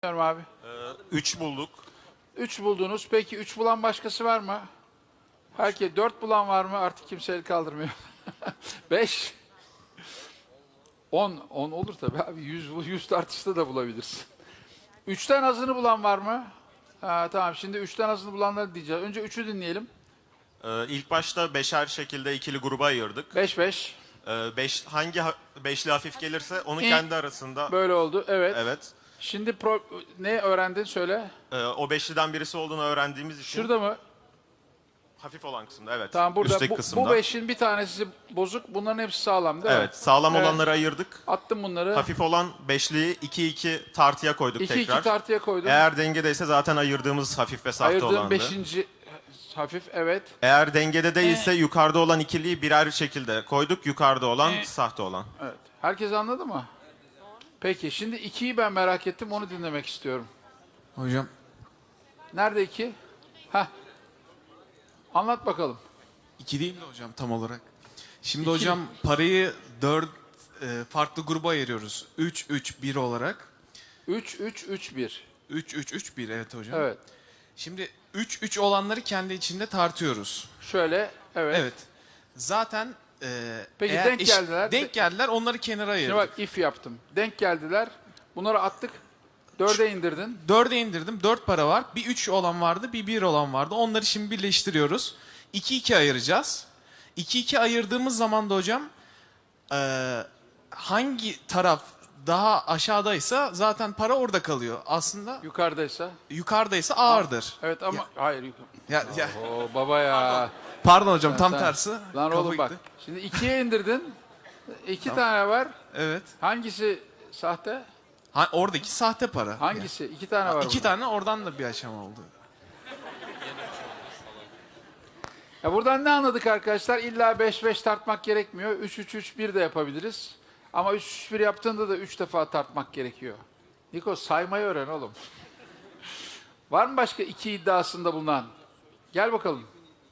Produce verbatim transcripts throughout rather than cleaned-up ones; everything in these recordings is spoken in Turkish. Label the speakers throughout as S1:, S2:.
S1: Abi.
S2: üç bulduk.
S1: üç buldunuz. Peki üç bulan başkası var mı? Herkes dört bulan var mı? Artık kimse el kaldırmıyor. beş. on. on olur tabii abi. yüz, yüz tartışta da bulabilirsin. üçten azını bulan var mı? Ha, tamam şimdi üçten azını bulanları diyeceğiz. Önce üçü dinleyelim.
S2: Ee, ilk başta beşer şekilde ikili gruba ayırdık.
S1: beş beş.
S2: Ee, beş, hangi ha- beşli hafif gelirse onu
S1: İyi.
S2: kendi arasında...
S1: Böyle oldu. Evet.
S2: Evet.
S1: Şimdi pro- ne öğrendin söyle.
S2: Ee, o beşliden birisi olduğunu öğrendiğimiz için...
S1: Şurada mı?
S2: Hafif olan kısımda, evet.
S1: Tamam burada
S2: Üstteki
S1: bu,
S2: kısımda.
S1: bu beşin bir tanesi bozuk. Bunların hepsi sağlam değil mi?
S2: Evet, sağlam
S1: Evet.
S2: olanları ayırdık.
S1: Attım bunları.
S2: Hafif olan beşliyi iki iki tartıya koyduk
S1: iki
S2: tekrar.
S1: iki tartıya koydum.
S2: Eğer dengedeyse zaten ayırdığımız hafif ve sahte
S1: Ayırdığım
S2: olandı.
S1: beşinci hafif evet.
S2: Eğer dengede değilse yukarıda olan ikiliyi birer şekilde koyduk. Yukarıda olan sahte olan.
S1: Evet. Herkes anladı mı? Peki şimdi ikiyi ben merak ettim. Onu dinlemek istiyorum.
S3: Hocam
S1: Nerede iki? Heh. Anlat bakalım.
S3: iki değil de hocam tam olarak. Şimdi
S1: İki
S3: hocam
S1: mi?
S3: parayı dört e, farklı gruba ayırıyoruz. üç üç bir olarak.
S1: üç üç üç bir.
S3: üç üç üç bir evet hocam.
S1: Evet.
S3: Şimdi üç üç olanları kendi içinde tartıyoruz.
S1: Şöyle evet.
S3: Evet. Zaten e,
S1: Peki,
S3: eğer
S1: denk
S3: eş-
S1: geldiler.
S3: Denk geldiler onları kenara
S1: Şimdi
S3: ayırdık.
S1: bak if yaptım. Denk geldiler. Bunları attık. Dörde indirdin.
S3: dörde indirdim. dört para var. Bir üç olan vardı, bir bir olan vardı. Onları şimdi birleştiriyoruz. iki iki ayıracağız. iki iki ayırdığımız zaman da hocam e, hangi taraf daha aşağıdaysa zaten para orada kalıyor. Aslında
S1: Yukarıdaysa.
S3: yukarıdaysa ağırdır.
S1: Evet ama
S3: Ya-
S1: hayır. Yukarı.
S3: Ya, ya,
S1: Oo baba ya.
S3: pardon hocam tam
S1: Sen-
S3: tersi.
S1: Lan
S3: Kafa
S1: oğlum bak.
S3: gitti.
S1: Şimdi ikiye indirdin. İki tane var.
S3: Evet.
S1: Hangisi sahte?
S3: Ha, oradaki sahte para.
S1: Hangisi? İki tane var.
S3: İki
S1: burada.
S3: tane oradan da bir aşama oldu.
S1: Ya buradan ne anladık arkadaşlar? İlla beş beş tartmak gerekmiyor. üç üç üç bir de yapabiliriz. Ama üç üç bir yaptığında da üç defa tartmak gerekiyor. Niko saymayı öğren oğlum. Var mı başka iki iddiasında bulunan? Gel bakalım.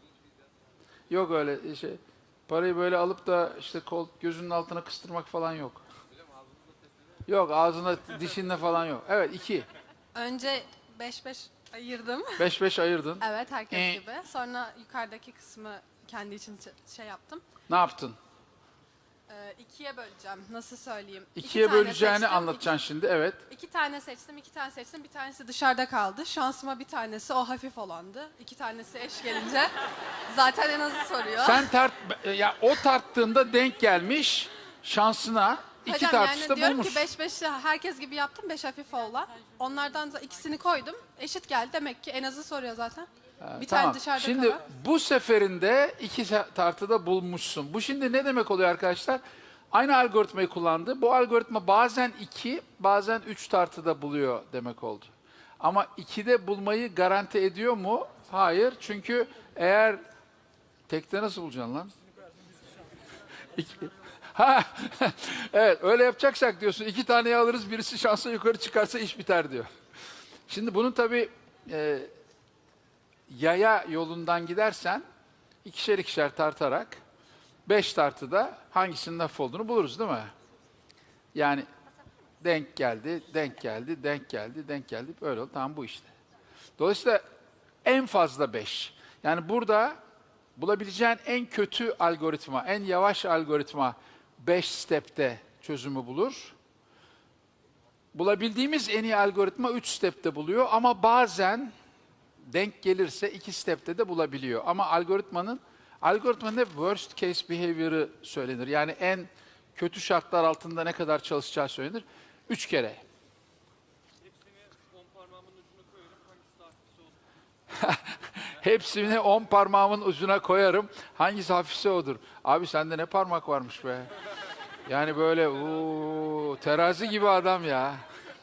S1: Yok öyle şey. Parayı böyle alıp da işte kol gözünün altına kıstırmak falan yok. Yok ağzına dişinle falan yok. Evet iki.
S4: Önce beş beş ayırdım.
S1: beş beş ayırdın.
S4: Evet herkes
S1: Ee?
S4: gibi. Sonra yukarıdaki kısmı kendi için ç- şey yaptım.
S1: Ne yaptın?
S4: Ee, ikiye böleceğim. Nasıl söyleyeyim? İki
S1: İkiye
S4: tane
S1: böleceğini
S4: seçtim.
S1: anlatacaksın şimdi. Evet.
S4: İki, iki tane seçtim, iki tane seçtim. Bir tanesi dışarıda kaldı. Şansıma bir tanesi o hafif olandı. İki tanesi eş gelince zaten en azı soruyor.
S1: Sen tart ya o tarttığında denk gelmiş şansına iki
S4: Hocam
S1: tartışta
S4: yani diyorum
S1: bulmuş.
S4: ki beş beş herkes gibi yaptım. beş hafif olan. Onlardan da ikisini koydum. Eşit geldi. Demek ki en azı soruyor zaten. Bir
S1: Tamam.
S4: tane dışarıda
S1: Şimdi
S4: kalan.
S1: bu seferinde iki tartıda bulmuşsun. Bu şimdi ne demek oluyor arkadaşlar? Aynı algoritmayı kullandı. Bu algoritma bazen iki, bazen üç tartıda buluyor demek oldu. Ama ikide bulmayı garanti ediyor mu? Hayır. Çünkü eğer tekte nasıl bulacaksın lan? İki. Ha, evet öyle yapacaksak diyorsun iki taneyi alırız birisi şansa yukarı çıkarsa iş biter diyor. Şimdi bunun tabii e, yaya yolundan gidersen ikişer ikişer tartarak beş tartıda hangisinin hafif olduğunu buluruz değil mi? Yani denk geldi, denk geldi, denk geldi, denk geldi. Böyle oldu. Tamam bu işte. Dolayısıyla en fazla beş. Yani burada bulabileceğin en kötü algoritma, en yavaş algoritma beş step'te çözümü bulur. Bulabildiğimiz en iyi algoritma üç step'te buluyor ama bazen denk gelirse iki step'te de bulabiliyor. Ama algoritmanın algoritmanın hep worst case behavior'ı söylenir. Yani en kötü şartlar altında ne kadar çalışacağı söylenir. Üç kere. Hepsini on parmağımın ucuna koyarım. Hangisi hafifse odur. Abi sende ne parmak varmış be. Yani böyle uuu, terazi gibi adam ya.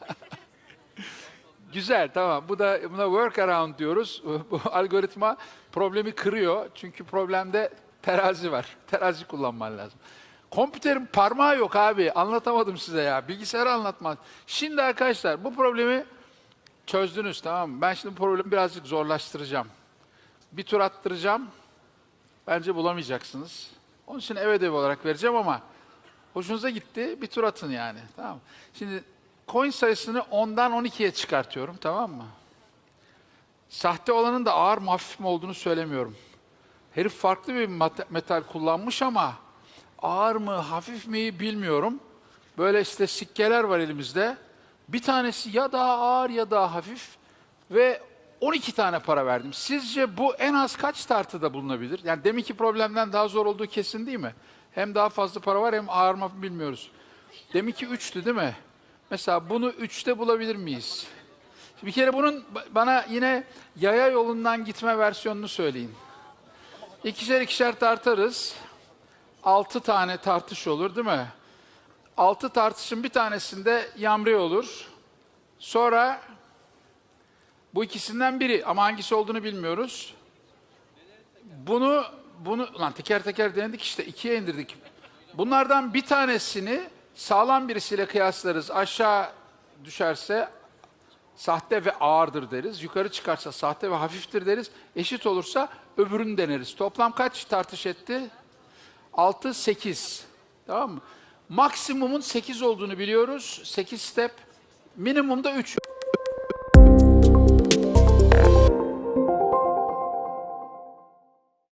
S1: Güzel tamam. Bu da buna workaround diyoruz. Bu algoritma problemi kırıyor. Çünkü problemde terazi var. Terazi kullanman lazım. Kompüterin parmağı yok abi. Anlatamadım size ya. Bilgisayarı anlatmaz. Şimdi arkadaşlar bu problemi çözdünüz tamam mı? Ben şimdi bu problemi birazcık zorlaştıracağım. Bir tur attıracağım. Bence bulamayacaksınız. Onun için ev ödevi olarak vereceğim ama hoşunuza gitti. Bir tur atın yani. Tamam mı? Şimdi coin sayısını ondan on ikiye çıkartıyorum, tamam mı? Sahte olanın da ağır mı hafif mi olduğunu söylemiyorum. Herif farklı bir mat- metal kullanmış ama ağır mı hafif mi bilmiyorum. Böyle işte sikkeler var elimizde. Bir tanesi ya daha ağır ya daha hafif ve on iki tane para verdim. Sizce bu en az kaç tartıda bulunabilir? Yani deminki problemden daha zor olduğu kesin değil mi? Hem daha fazla para var hem ağır mı bilmiyoruz. Deminki üçtü değil mi? Mesela bunu üçte bulabilir miyiz? Bir kere bunun bana yine yaya yolundan gitme versiyonunu söyleyin. İkişer ikişer tartarız. Altı tane tartış olur değil mi? Altı tartışın bir tanesinde yamri olur. Sonra bu ikisinden biri ama hangisi olduğunu bilmiyoruz. Bunu, bunu lan teker teker denedik işte ikiye indirdik. Bunlardan bir tanesini sağlam birisiyle kıyaslarız. Aşağı düşerse sahte ve ağırdır deriz. Yukarı çıkarsa sahte ve hafiftir deriz. Eşit olursa öbürünü deneriz. Toplam kaç tartış etti? altı, sekiz. Tamam mı? Maksimumun sekiz olduğunu biliyoruz. sekiz step. Minimumda üç.